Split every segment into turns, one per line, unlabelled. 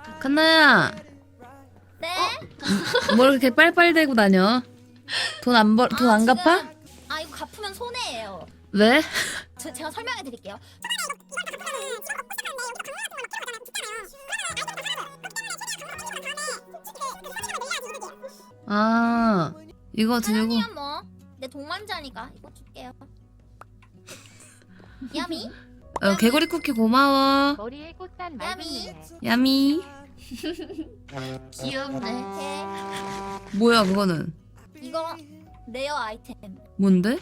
칸나야,
네?
뭘 이렇게 빨빨대고 다녀? 돈 안 갚아?
아 이거 갚으면 손해예요.
왜?
제가 설명해 드릴게요.
아, 이거 들고.
사연이야 뭐. 내 동반자니까 이거 줄게요. 야미?
개구리 쿠키 고마워.
머리에 꽃단
야미.
맑은
야미.
귀엽네.
뭐야 그거는?
이거 레어 아이템.
뭔데?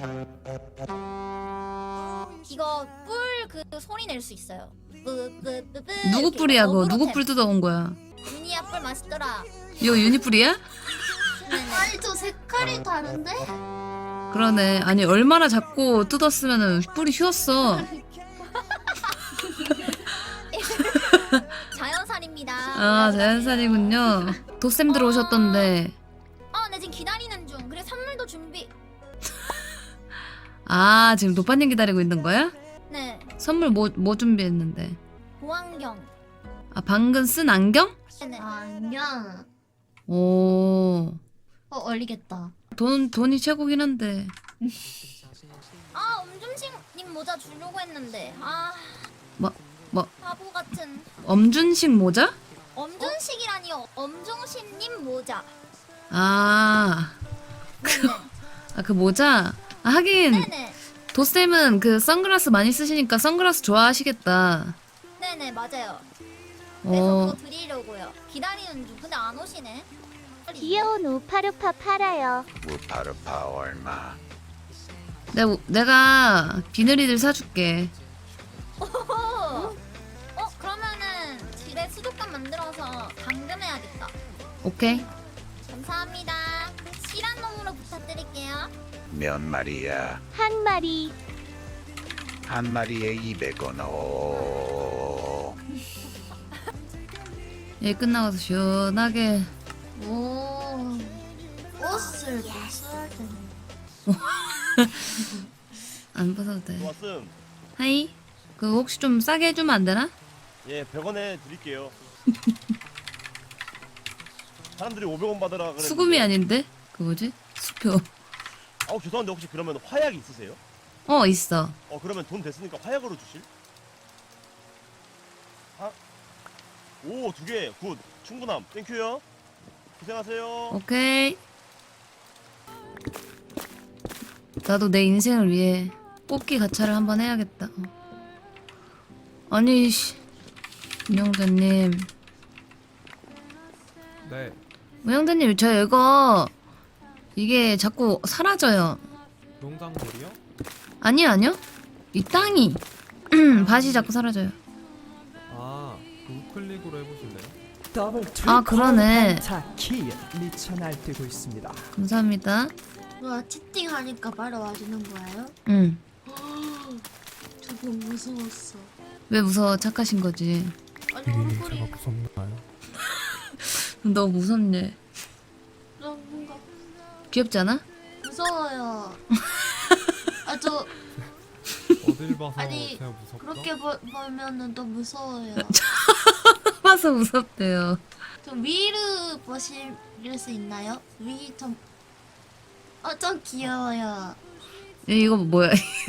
이거 뿔 그 소리 낼 수 있어요. 뿌뿌뿌뿌.
누구 뿔이야 그거? 누구 뿔 뜯어온 거야?
유니야 뿔 맛있더라.
이거 유니뿔이야?
네네.
아니 저 색깔이 다른데?
그러네. 아니 얼마나 작고 뜯었으면은 뿔이 휘었어.
자연산입니다.
아 자연산이군요. 도쌤들 오셨던데.
네 지금 기다리는 중. 그래 선물도 준비.
아 지금 노빠님 기다리고 있는 거야?
네.
선물 뭐 준비했는데?
보안경.
아 방금 쓴 안경?
네네.
아, 안녕.
오.
어울리겠다.
돈이 최고긴 한데.
엄준식님 모자 주려고 했는데
뭐?
바보 같은.
엄준식 모자?
엄준식이라니요. 엄중신님 모자.
아.
네네.
아 그 모자? 아, 하긴
네네.
도쌤은 그 선글라스 많이 쓰시니까 선글라스 좋아하시겠다.
네네 맞아요. 그래서
어.
그거 드리려고요. 기다리는 중. 근데 안 오시네. 빨리.
귀여운 우파루파 팔아요.
우파르파 얼마?
내가 비늘이들 사줄게.
그러면은 집에 수족관 만들어서 감금해야겠다.
오케이.
감사합니다. 실한 놈으로 부탁드릴게요.
몇 마리야?
한 마리.
한 마리에 200원. 오.
일 끝나가서 시원하게.
오. 옷을 벗어야 되네.
안 벗어도 돼.
왔음.
하이. 그 혹시 좀 싸게 해주면 안 되나?
예, 100원에 드릴게요. 사람들이 500원 받으라 그랬는데.
수금이 아닌데? 그 뭐지? 수표.
죄송한데 혹시 그러면 화약 있으세요?
있어.
그러면 돈 됐으니까 화약으로 주실? 오, 2개. 굿. 충분함. 땡큐요. 고생하세요.
오케이. 나도 내 인생을 위해 뽑기 가차를 한번 해야겠다. 아니 씨. 운영자님.
네.
운영자님 저 이거 이게 자꾸 사라져요.
농작물이요?
아니요. 이 땅이 밭이 자꾸 사라져요.
아, 그 우클릭으로 해보실래요?
아, 그러네.
키 미쳐 날뛰고 있습니다.
감사합니다.
와 채팅하니까 바로 와주는 거예요?
응.
저 너무 무서웠어.
왜 무서워? 착하신 거지.
아니 얼굴이
무섭나요?
너 무섭네.
너무 뭔가
귀엽지 않아?
무서워요. 아 저
어딜 봐서
아니,
제가 무섭다?
그렇게 보면은 또 무서워요.
봐서 무섭대요.
좀 위로 보실 수 있나요? 위 좀. 좀 귀여워요.
이거 뭐야?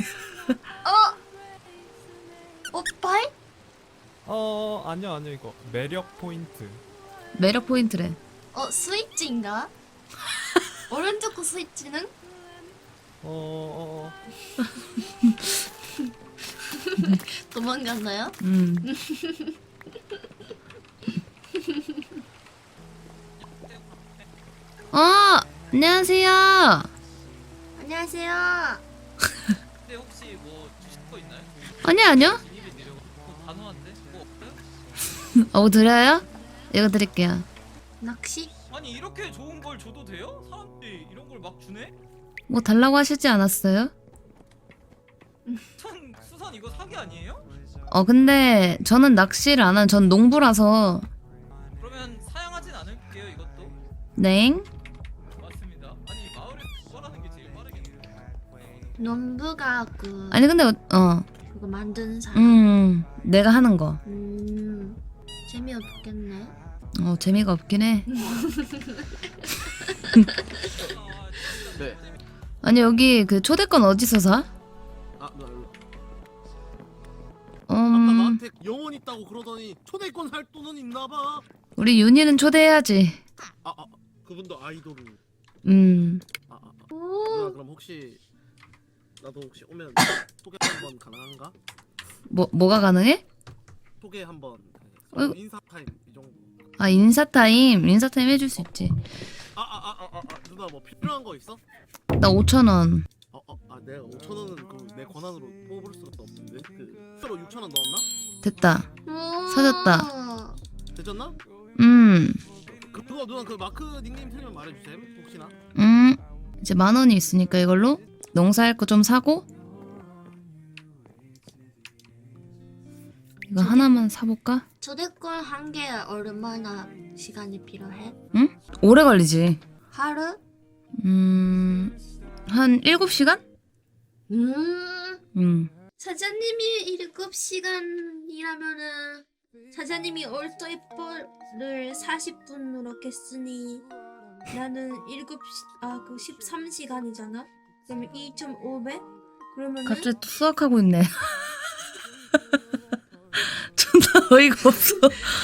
오빠이?
아니요 이거 매력 포인트.
매력 포인트래.
스위치인가? 오른쪽 스위치는? 도망갔나요?
안녕하세요.
안녕하세요.
근데 혹시 뭐 주실 거 있나요?
아니요.
비닐에 내려고 단호한데 뭐 없어요?
드려요? 이거 드릴게요.
낚시?
아니 이렇게 좋은 걸 줘도 돼요? 사람들이 이런 걸 막 주네?
뭐 달라고 하시지 않았어요?
수산 이거 사기 아니에요?
근데 저는 낚시를 안 한, 전 농부라서.
그러면 사양하진 않을게요 이것도.
냉.
맞습니다. 아니 마을에 구걸하는 게 제일 빠르겠네.
농부가
아니 근데
그거 만드는 사람.
내가 하는 거.
재미없겠네.
재미가 없긴 해.
네.
아니 여기 그 초대권 어디서 사?
아, 나 일로.
음,
아까 나한테 영혼 있다고 그러더니 초대권 할 돈은 있나봐.
우리 윤희는 초대해야지.
그분도 아이돌을. 누나 그럼 혹시 나도 혹시 오면 소개 한번 가능한가?
뭐가 가능해?
소개 한번.
어이구.
인사 타임 이 정도.
아 인사타임 해줄 수 있지.
누나 뭐 필요한 거 있어?
나 5,000원.
내가 5,000원은 그 내 권한으로 뽑을 수가 없는데 그 새로 6,000원 넣었나?
됐다. 사줬다.
되졌나? 그거 누나 그 마크 닉네임 틀리면 말해주세요. 혹시나.
이제 10,000원이 있으니까 이걸로 농사할 거 좀 사고 이거 하나만 사볼까?
초대권 한 개 얼마나 시간이 필요해?
오래 걸리지.
하루?
한 7시간?
사장님이 7시간이라면은 사장님이 얼토이퍼를 40분으로 깼으니 나는 13시간이잖아? 그러면 2,500? 그러면은
갑자기 또 수학하고 있네. 존나 어이가 없어.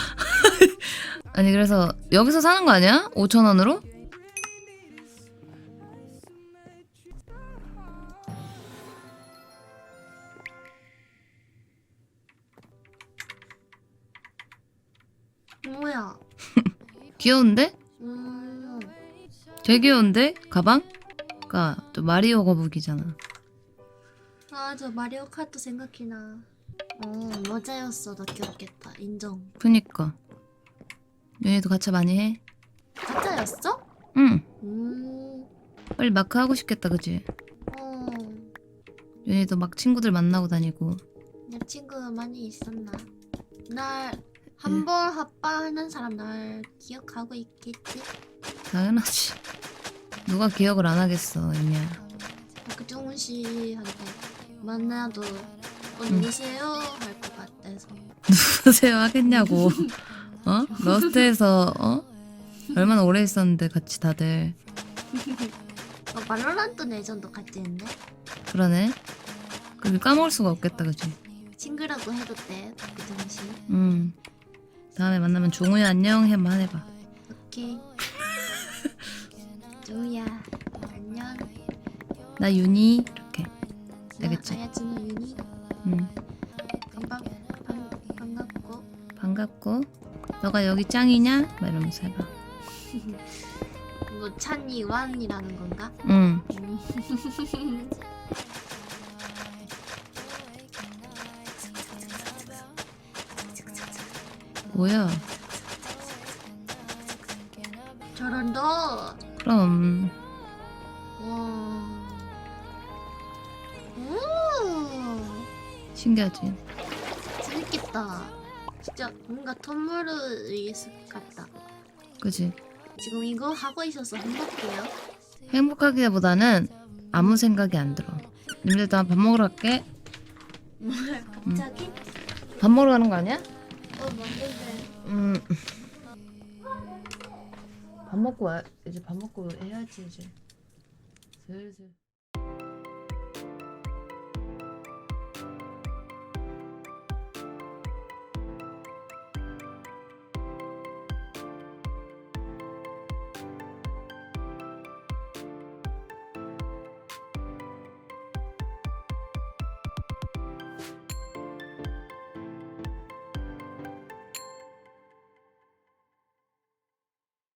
아니 그래서 여기서 사는 거 아니야? 5,000원으로?
뭐야?
귀여운데? 되게 귀여운데? 가방? 그니까 또 마리오 거북이잖아.
아, 저 마리오 카트 생각이 나. 여자였어도 귀엽겠다. 인정.
그니까 윤희도 가차 많이 해?
가짜였어?
응.
빨리
빨리 마크 하고 싶겠다 그치? 윤희도 막 친구들 만나고 다니고.
내 친구 많이 있었나? 날 한 번 합방하는 사람 날 기억하고 있겠지?
당연하지. 누가 기억을 안 하겠어 윤희야.
박정훈 씨한테 만나도 누구세요? 할 것 같아서.
누구세요 하겠냐고. 러스트에서 얼마나 오래 있었는데 같이 다들.
발로란트 내전도 같이 했네?
그러네. 그걸 까먹을 수가 없겠다 그치?
친구라고 해도 돼, 박정훈 씨.
다음에 만나면 종우야 안녕 한번 해봐.
오케이. 조우야, 안녕.
나 윤희 이렇게. 알겠지?
아야츠노 윤희. 반갑고.
반갑고 너가 여기 짱이냐? 막 이러면서 해봐.
뭐 찬이 완이라는 건가?
응. 뭐야?
저런다.
그럼
와.
신기하지?
재밌겠다. 진짜 뭔가 텀블러의 숲 같다.
그지?
지금 이거 하고 있어서 행복해요.
행복하기보다는 아무 생각이 안 들어. 님들도 밥 먹으러 갈게.
뭐야 갑자기?
밥 먹으러 가는 거 아니야?
맞는데.
밥 먹고 이제 밥 먹고 해야지 이제 슬슬.